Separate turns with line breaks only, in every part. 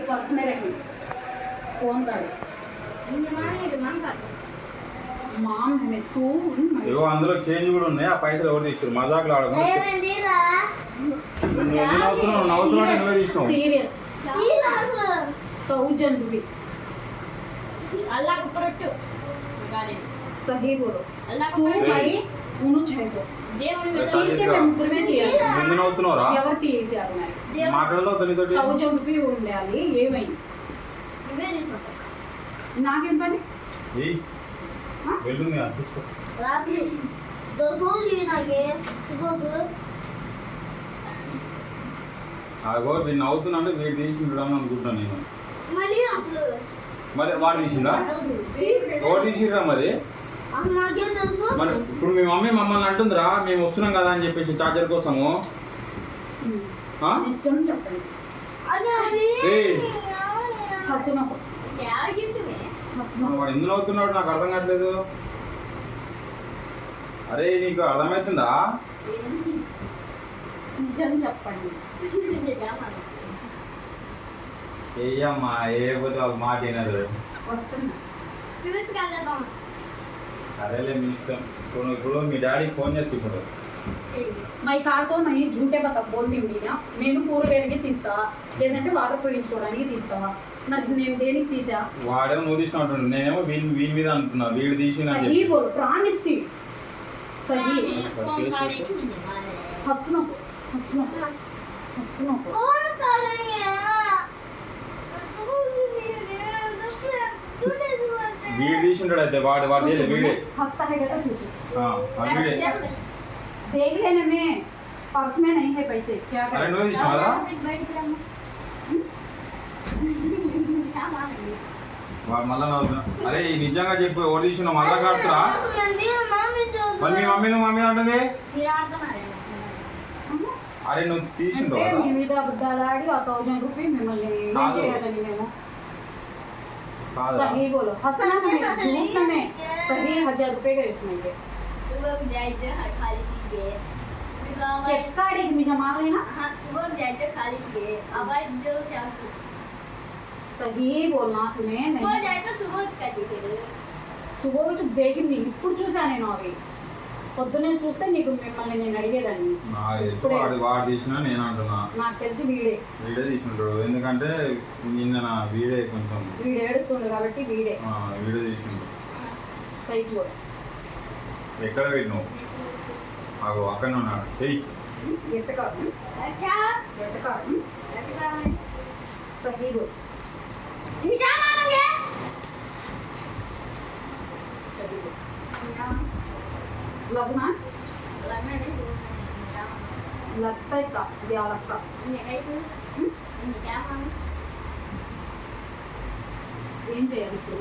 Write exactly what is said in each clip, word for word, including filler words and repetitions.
Purse में रखी phone कर మామ్ మెత్తు
ఏవో అందులో చేంజ్ కూడా ఉన్నాయి. ఆ పైసలు ఎవరు తీస్తారు? మజాకులు ఆడకుండా నవ్వుతున్నావు నవ్వుతున్నావు నువ్వే తీసినావు.
సీరియస్ థౌజండ్ రూపీ अल्लाह को परट्टू गाने सही बोलो अल्लाह को परट्टू भाई उन्हों छह सौ దేవుని మీద తీస్తే మేము ముగ్గురమే తీయాలి.
ముందు నవ్వుతున్నారా?
ఎవరు తీసేశారు మరి?
మాటల్లో తనితోటి
థౌజండ్ రూపీ ఉండాలి. ఏమైంది? ఇవే తీసుకుంటా. నాకేం పని?
ఏయ్ వెళ్ళుంది అనిపిస్తా.
రాత్రి దోసోలి నాకే సుగోకు
ఆగో వీడు నవ్వుతున్నాంటే వీడు తీసిండడం అనుకుంటాను నేను.
మళ్ళీ అసలు
మరి వాడు తీసిండా? ఎవరు తీసిర్రా మరి?
నాకేం తెలుసు.
మరి ఇప్పుడు మీ మమ్మీ మమ్మల్ని అంటుందిరా మేము వస్తున్నాం కదా అని చెప్పేసి చార్జర్ కోసము.
నిజం చెప్పండి.
వాడు ఎందుకు నవ్వుతున్నాడు నాకు అర్థం కావట్లేదు. అరే నీకు అర్థమవుతుందా?
నిజం చెప్పండి.
ఏయమ్మా ఏ పోతే ఒక మాట వినరు. సరేలే మీ ఇష్టం. ఇప్పుడు ఇప్పుడు మీ డాడీకి ఫోన్ చేసి ఇప్పుడు
మై కార్తో మై झूठे बता बोलती हूँ ना నేను కూరగాయలకి తీస్తా లేదంటే వాటర్ పోయించుకోవడానికి తీస్తా. మరి నేను దేనికి తీసా?
వాడేమో నువ్వు తీసిన అంటుండు. నేనేమో వీని వీని మీద అంటున్నా వీడు తీసిన
सही बोल प्रॉमिस थी सही हंसना हंसना हंसना
कौन कर रही है?
వీడు తీసింటాడు అయితే వాడు వాడు చేసే వీడే
हंसता है क्या तुझे?
వీడే
देख लेने में पर्स में नहीं है पैसे क्या
अरे
करें?
నువ్వు తీసినావా? వాడు మళ్ళా నవ్వుతున్నా. అరే నిజంగా చెప్పు ఎవరు తీసిన మళ్ళా కాడుతురా? మరి మీ మమ్మీ నువ్వు మమ్మీ అంటుంది. అరే నువ్వు తీసిండు
అంటే మీ మీద అబద్ధాలు ఆడి ఆ థౌజండ్ రూపీ మిమ్మల్ని ఏం చేయాలని మేము सही बोलो हंसना में झूठ में सही हजार रुपए का इसमें के
सुबह को जाइए खाली सीखे
ఎక్కడికి మీ జమా లేనా?
हाँ सुबह को जाइए खाली सीखे अब जो क्या
सही बोलना तुम्हें
सुबह
नहीं
जाए तो सुबह का दिखे
సుబో వచ్చి దేకింది ఇప్పుడు చూసా నేను అవి పొద్దున్నే చూస్తే నీకు మిమ్మల్ని నేను అడిగేదాన్ని.
వాడు వాడు తీసినా నేను అంటున్నా.
నాకు తెలిసి వీడే
వీడే తీసుకుంటాడు. ఎందుకంటే నిన్న నా వీడే కొంచెం
వీడు ఏడుస్తుండు కాబట్టి వీడే
వీడే తీసుకుంటాడు.
సైజ్ కూడా
ఎక్కడ పెట్టినావు? మాకు అక్కడనే ఉన్నాడు. చెయ్యి
ఎట్ట కాదు
क्या
ఎట్ట కాదు సహీ बोल
ये क्या मांगेंगे
लगना
लगना नहीं
लगता है का दिया लगता
ये है तो ये क्या मांगे
ఏం చేయాలి ఇప్పుడు?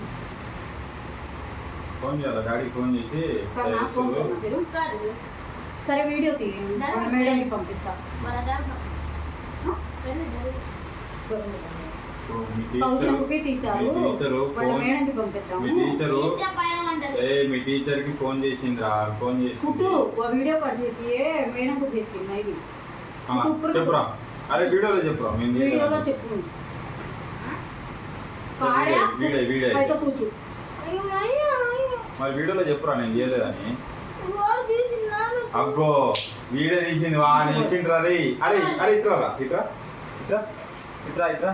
ఫోన్ చేయాలి డాడీకి ఫోన్ చేసి
కన్నా ఫోన్ करना फिर
कर दो
సరే వీడియో తీయండి మేడంకి పంపిస్తా.
बराबर पहले दो
థౌసండ్ రూపీ తీసారు వాళ్ళ మేడంకి
మీ
పంపిస్తాము.
టీచరు
क्या पाया मंडल
ఏ మీ టీచర్ కి ఫోన్ చేసిందిరా ఫోన్ చేసి
ఫుట్టు వీడియో కట్ చేసి మేడంకు తీసుకెళ్ళి మైది
చెప్పురా. అరే వీడియోలో చెప్పురా. మేము
వీడియోలో చెప్పు పాడా
వీడే వీడే
అయితే కూర్చో
మరి వీడియోలో చెప్పురా నేను చేయలేదని.
वो दिस नाम
అగ్గో వీడియో తీసింది వా అని చెప్పిండ్రు. అరే అరే అరే ఇట్రా ఇట్రా ఇట్రా ఇట్రా ఇట్రా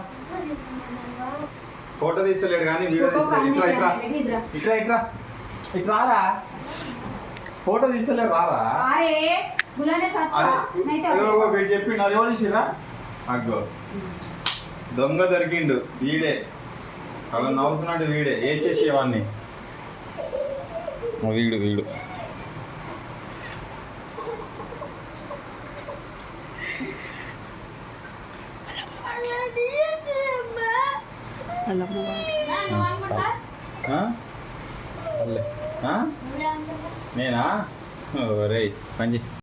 ఫోటో తీస్తలేడు కానీ వీడియో తీస్తలేడు. ఇట్రా ఇట్రా ఇట్రా ఇట్రా ఇట్రారా ఫోటో తీస్తలేడు రారా.
అరే బులానే సచ్చా నైతే
వీడు చెప్పిండు. అది ఎవరు తీసిరా? అగ్గో దొంగ దొరికిండు వీడే. అలా నవ్వుతున్నాడు వీడే వేసేసేవాడిని. వీడు వీడు నేనా రే పంజి